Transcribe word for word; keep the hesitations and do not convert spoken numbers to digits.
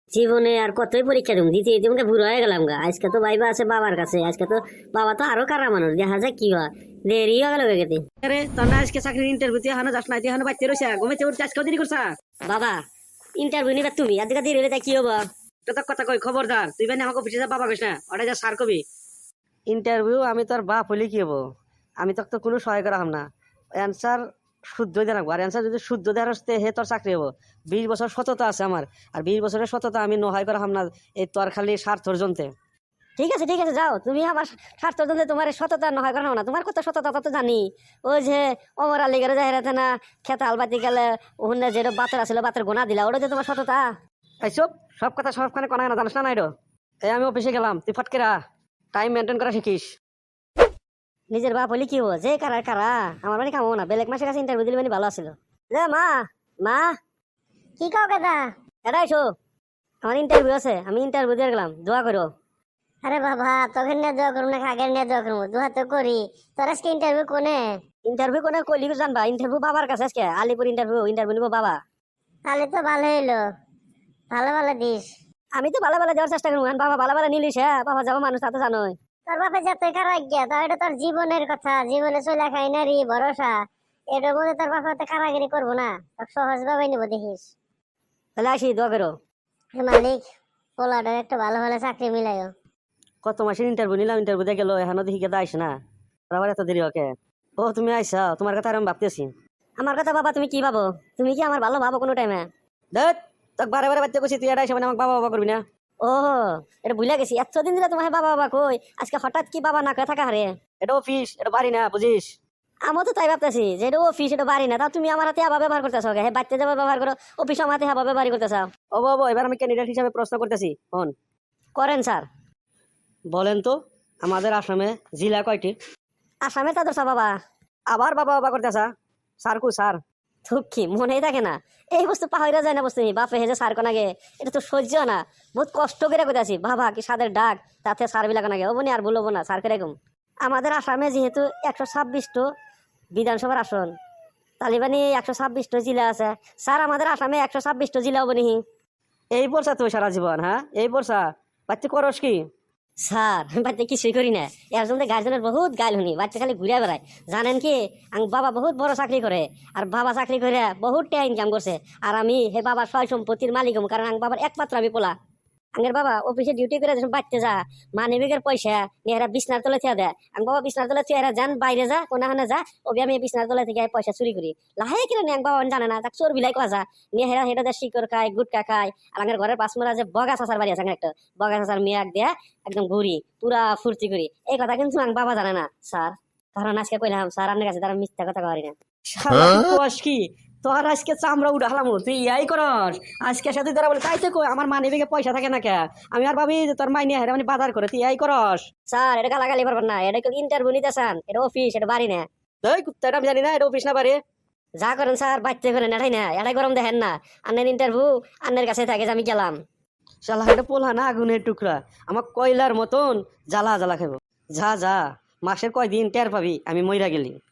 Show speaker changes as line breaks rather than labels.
জীবনে আর কতই পরীক্ষা দেবো দিতে দিতে মনে বুড়ো হয়ে গেলাম গা। আজকে তো ভাইবা আছে বাবার কাছে, আজকে তো বাবা তো আরো কারা মানুষ, দেখা যায় কি হয়। দেরি হয়ে গেল গেতে।
আরে তোর না আজকে চাকরির ইন্টারভিউ তুই হানো যাস না, তুই হানো বাইতে রয়েছে ঘুমেতে উঠতে আজকেও দেরি করছা।
বাবা ইন্টারভিউ নিবে তুমি, আজকে দেরি হলে তাই কি হবো?
তো তোর কথা কই খবরদার, তুই বেনে আমাকে অফিসে যা বাবা কইস না, ওটা যা সার কবি। ইন্টারভিউ আমি তোর বাপ হইলে কি হবো, আমি তোকে তো কোনো সহায় করা হাম না। অ্যান্সার শুদ্ধ দিয়ে রাখবো, আর অ্যান্সার যদি শুদ্ধ দেওয়ার হচ্ছে হে তোর চাকরি হবো। বিশ বছর সততা আছে আমার, আর বিশ বছরের সততা আমি নহাই করা হাম না এই তোর খালি স্বার্থর জন্যে।
ঠিক আছে ঠিক আছে, যাও তুমি আমার স্বার্থ জন্য তোমার সততা নয় করানো না, তোমার কত সততা তত জানি। ওই যে অমর আলী গেলে যাই রাতে না খেতে আলবাতি গেলে ওখানে যেটা বাতের আসলে বাতের গোনা দিলা, ওটা যে তোমার সততা।
এই সব সব কথা সবখানে কনা না জানিস না নাই। এই আমি অফিসে গেলাম, তুই ফটকেরা টাইম মেনটেন করা শিখিস।
নিজের বাপ হলে কি হবো, যে কারা কারা আমার মানে কামো না, বেলেগ মাসের কাছে ইন্টারভিউ দিলে মানে ভালো আছিল। যে মা মা
কি কও কেদা?
এটা এসো, আমার ইন্টারভিউ আছে, আমি ইন্টারভিউ দিয়ে গেলাম, দোয়া করো।
আরে বাবা, তোকে নিয়ে দোয়া করবো না আগের নিয়ে দোয়া করবো? দোয়া তো করি। তোর আজকে ইন্টারভিউ কোনে?
ইন্টারভিউ কোনে কইলি জানবা? ইন্টারভিউ বাবার কাছে আজকে, আলিপুর ইন্টারভিউ, ইন্টারভিউ নিবো বাবা।
তাহলে তো ভালো হইলো, ভালো ভালো দিস।
আমি তো ভালো ভালো দেওয়ার চেষ্টা করবো, বাবা ভালো ভালো নিলিস, হ্যাঁ বাবা যাবো মানুষ তা তো জানোই।
তোর বাপে যত খারাপ গিয়া, তো এটা তোর জীবনের কথা, জীবনে চলে খাই না রে ভরসা। এটার মধ্যে তোর বাপে তো কারাগিরি করবো না, তোর সহজ ভাবে নিবো দেখিস।
তাহলে আসি, দোয়া করো।
হে মালিক, পোলাটার একটা ভালো ভালো চাকরি মিলাইও।
কত মাসের ইন্টারভিউ নিলাম, ইন্টারভিউ দিয়ে গেল এখনো দেখি কেদা আইস না, আবার এত দেরি ওকে। ও তুমি আইসা, তোমার কথা আর আমি ভাবতেছি।
আমার কথা বাবা তুমি কি ভাবো? তুমি কি আমার ভালো ভাবো কোনো টাইমে?
দেখ তোকে বারে বারে বাচ্চা করছি, তুই এটা আইসা মানে আমাকে বাবা বাবা করবি না।
ও এটা ভুলে গেছি, এতদিন দিলে তোমার বাবা বাবা কই, আজকে হঠাৎ কি বাবা না কয়ে থাকা হারে?
এটা অফিস, এটা বাড়ি না, বুঝিস।
আমিও তো তাই ভাবতেছি যে এটা অফিস, এটা বাড়ি না, তা তুমি আমার হাতে আবার ব্যবহার করতেছো, হ্যাঁ বাচ্চা যাবে ব্যবহার করো, অফিস আমার হাতে আবার ব্যবহার করতেছো।
ও বাবা, এবার আমি ক্যান্ডিডেট হিসাবে প্রশ্ন করতেছি, হন
করেন স্যার।
বলেন তো আমাদের আসামে জেলা কয়টি?
আসামে তা দোষা বাবা।
আবার বাবা বাবা করতেছা, স্যার কু স্যার?
দুঃখী মনেই থাকে না, এই বস্তু পাহরা যায় না বস্তু, বাপে হেজে সার কোনাগে, এটা তো সহ্য না, বহুত কষ্ট করে কইতাছি বাবা কি সাদের ডাক, তাতে সার বিলাক নাগে ও বনি আর বলবো না সার কিরকম। আমাদের আসামে যেহেতু একশো ছাব্বিশটো বিধানসভার আসন, তালিবানি একশো ছাব্বিশটো জেলা আছে, স্যার আমাদের আসামে একশো ছাব্বিশটো জেলা বনি।
এই বর্ষা তুই সারা জীবন, হ্যাঁ এই বর্ষা বাচ্চা করস কি?
স্যার আমি বাচ্চা কিছুই করি না, এর জন্য গার্জেনের বহুত গাইল শুনি, বাচ্চা খালি ঘুরে বেড়ায়। জানেন কি, আং বাবা বহুত বড় চাকরি করে, আর বাবা চাকরি করে বহুত টাকা ইনকাম করছে, আর আমি হে বাবার সয় সম্পত্তির মালিক হম, কারণ আং বাবার একমাত্র আমি পোলা। আঙ্গের বাবা অফিসে ডিউটি করে যখন বাড়তে যা, মানি ব্যাগের পয়সা নিয়ে এরা বিছনার তলে থিয়া দেয়, আং বাবা বিছনার তলে থিয়া এরা যান বাইরে যা কোনাখানে যা, ওবি আমি বিছনার তলে থেকে পয়সা চুরি করি লাহে কিনে নিয়ে আং বাবা জানে না, তাক চোর বিলাই কোয়া যা নিয়ে হেরা হেটা দেয় শিকড় খায় গুটকা খায়। আর আঙ্গের ঘরের পাঁচমরা যে বগা চাচার বাড়ি আছে, একটা বগা চাচার মেয়াক দেয়া একদম ঘুরি পুরা ফুর্তি করি, এই কথা কিন্তু আং বাবা জানে না স্যার। কারণ আজকে কইলাম স্যার আপনার কাছে তারা মিথ্যা কথা করি না।
শালা তুই কস কি? তোর আজকে চামড়া উঠালাম, তুই ইয়াই করস আজকে সাথে তারা বলে তাই তো কই আমার মানি ব্যাগে পয়সা থাকে না কে, আমি আর ভাবি যে তোর মাইনে হেরা মানে বাজার করে, তুই ইয়াই করস।
স্যার এটা গালাগালি পারবেন না, এটা ইন্টারভিউ নিতে চান, এটা অফিস, এটা বাড়ি না।
এই কুত্তাটা আমি জানি না এটা অফিস না বাড়ি।
যা করেন স্যার বাচ্চা করেন, এটাই না এটাই গরম দেখেন না, আন্নের ইন্টারভিউ আন্নের কাছে থাকে যে আমি গেলাম।
শালা এটা পোলা না আগুনের টুকরা, আমার কয়লার মতন জ্বালা জ্বালা খাবো। যা যা, মাসের কয়দিন টের পাবি আমি মইরা গেলি।